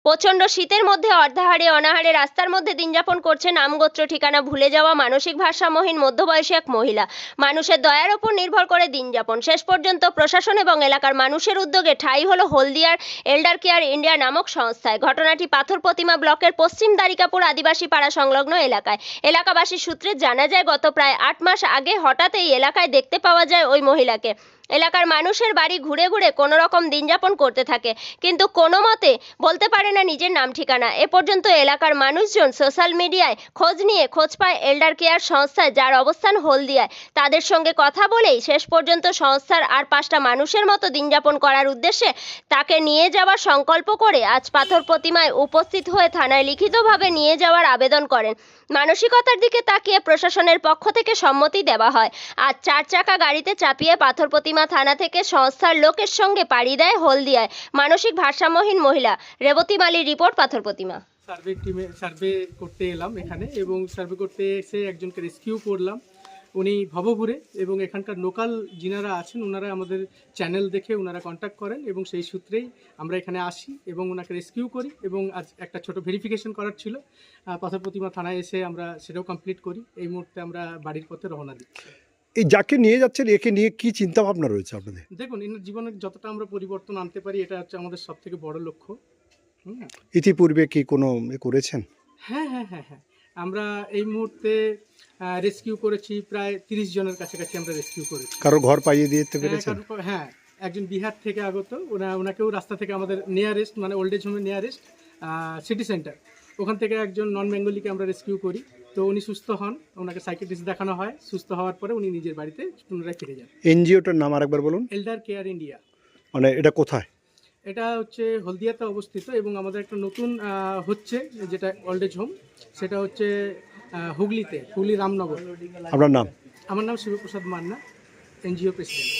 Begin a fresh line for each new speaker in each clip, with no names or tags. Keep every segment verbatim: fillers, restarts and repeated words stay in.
প্রচণ্ড শীতের মধ্যে অর্ধাহারে অনাহারে রাস্তার মধ্যে দিনযাপন করছে নামগোত্র ঠিকানা ভুলে যাওয়া মানসিক ভারসাম্যহীন মধ্যবয়সী এক মহিলা। মানুষের দয়ার ওপর নির্ভর করে দিনযাপন। শেষ পর্যন্ত প্রশাসন এবং এলাকার মানুষের উদ্যোগে ঠাঁই হলো হলদিয়ার এল্ডার কেয়ার ইন্ডিয়া নামক সংস্থায়। ঘটনাটি পাথর প্রতিমা ব্লকের পশ্চিম দ্বারিকাপুর আদিবাসী পাড়া সংলগ্ন এলাকায়। এলাকাবাসীর সূত্রে জানা যায়, গত প্রায় আট মাস আগে হঠাৎ এই এলাকায় দেখতে পাওয়া যায় ওই মহিলাকে। এলাকার মানুষের বাড়ি ঘুরে ঘুরে কোনো রকম দিনযাপন করতে থাকে, কিন্তু কোনো মতে বলতে পারে না নিজের নাম ঠিকানা। এ পর্যন্ত এলাকার মানুষজন সোশ্যাল মিডিয়ায় খোঁজ নিয়ে খোঁজ পায় এল্ডার কেয়ার সংস্থায়, যার অবস্থান হলদিয়ায়। তাদের সঙ্গে কথা বলেই শেষ পর্যন্ত সংস্থার আর পাঁচটা মানুষের মতো দিনযাপন করার উদ্দেশ্যে তাকে নিয়ে যাওয়ার সংকল্প করে আজ পাথর প্রতিমায় উপস্থিত হয়ে থানায় লিখিতভাবে নিয়ে যাওয়ার আবেদন করেন। মানসিকতার দিকে তাকিয়ে প্রশাসনের পক্ষ থেকে সম্মতি দেওয়া হয়। আজ চার চাকা গাড়িতে চাপিয়ে পাথর প্রতিমা থানা থেকে সংস্থার লোকের সঙ্গে পাড়ি দেয় হলদিয়ায় মানসিক ভারসাম্যহীন মহিলা। রেবতী মালির রিপোর্ট, পাথর প্রতিমা।
সার্ভে টিমে সার্ভে করতে এলাম এখানে, এবং সার্ভে করতে এসে একজনকে রেস্কিউ করলাম। উনি ভবঘুরে, এবং এখানকার লোকাল যিনারা আছেন ওনারা আমাদের চ্যানেল দেখে ওনারা কন্ট্যাক্ট করেন, এবং সেই সূত্রেই আমরা এখানে আসি এবং ওনাকে রেস্কিউ করি। এবং আজ একটা ছোট ভেরিফিকেশন করার ছিল, পাথর প্রতিমা থানায় এসে আমরা সেটাও কমপ্লিট করি। এই মুহূর্তে আমরা বাড়ির পথে রওনা দিচ্ছি।
এই যাকে নিয়ে যাচ্ছেন একে নিয়ে কি চিন্তা ভাবনা রয়েছে আপনাদের?
দেখুন, এনার জীবনে যতটা আমরা পরিবর্তন আনতে পারি এটা হচ্ছে আমাদের সব থেকে বড় লক্ষ্য। হুম,
ইতিপূর্বে কি কোনো এ করেছেন?
হ্যাঁ হ্যাঁ হ্যাঁ হ্যাঁ আমরা এই মুহূর্তে রেস্কিউ করেছি প্রায় তিরিশ জনের কাছাকাছি আমরা রেস্কিউ করেছি।
কারো ঘর পাইয়ে দিতে পেরেছেন?
হ্যাঁ, একজন বিহার থেকে আগত, ওনা ওনাকেও রাস্তা থেকে আমাদের নিয়ারেস্ট মানে ওল্ড এজ হোমের নিয়ারেস্ট সিটি সেন্টার, ওখান থেকে একজন নন বেঙ্গলিকে আমরা রেস্কিউ করি। তো উনি সুস্থ হন, ওনাকে সাইকিয়াট্রিস্ট দেখানো হয়, সুস্থ হওয়ার পরে উনি নিজের বাড়িতে পুনরায় ফিরে যান।
এনজিওটার নাম আরেকবার বলুন।
Elder care India.
মানে এটা কোথায়?
এটা হচ্ছে হলদিয়াতে অবস্থিত, এবং আমাদের একটা নতুন হচ্ছে যেটা ওল্ড এজ হোম, সেটা হচ্ছে হুগলিতে, হুগলি রামনগর।
আপনার নাম?
আমার নাম Shibprasad Manna, NGO president.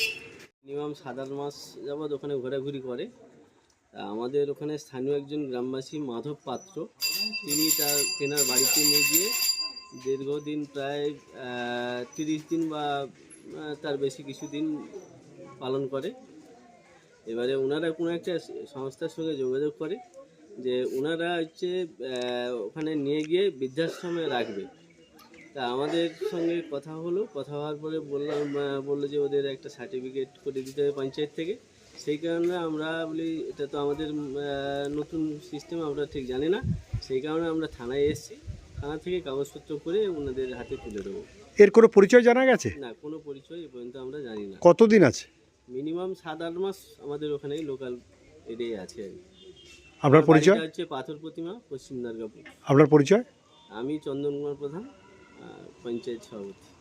Minimum সাত আট মাস যাবৎ ওখানে ঘোরাঘুরি করে। আমাদের ওখানে স্থানীয় একজন গ্রামবাসী মাধব পাত্র, তিনি তার তেনার বাড়িতে নিয়ে গিয়ে দীর্ঘদিন প্রায় তিরিশ দিন বা তার বেশি কিছুদিন পালন করে। এবারে ওনারা কোনো একটা সংস্থার সঙ্গে যোগাযোগ করে যে ওনারা হচ্ছে ওখানে নিয়ে গিয়ে বৃদ্ধাশ্রমে রাখবে। তা আমাদের সঙ্গে কথা হলো, কথা হওয়ার পরে বললাম বললো যে ওদের একটা সার্টিফিকেট করে দিতে হবে পঞ্চায়েত থেকে। সেই কারণে আমরা বলি এটা তো আমাদের নতুন সিস্টেম, আমরা ঠিক জানি না। সেই কারণে আমরা থানায় এসেছি, থানা থেকে কাগজপত্র করে ওনাদের হাতে তুলে দেবো।
এর কোনো পরিচয় জানা গেছে?
না, কোনো পরিচয় এ পর্যন্ত আমরা জানি না।
কতদিন আছে?
মিনিমাম সাত আট মাস আমাদের ওখানে লোকাল এরিয়ায় আছে।
আপনার পরিচয়?
হচ্ছে পাথর প্রতিমা, পশ্চিম দুর্গাপুর।
আপনার পরিচয়?
আমি চন্দন কুমার প্রধান, পঞ্চায়েত সভাপতি।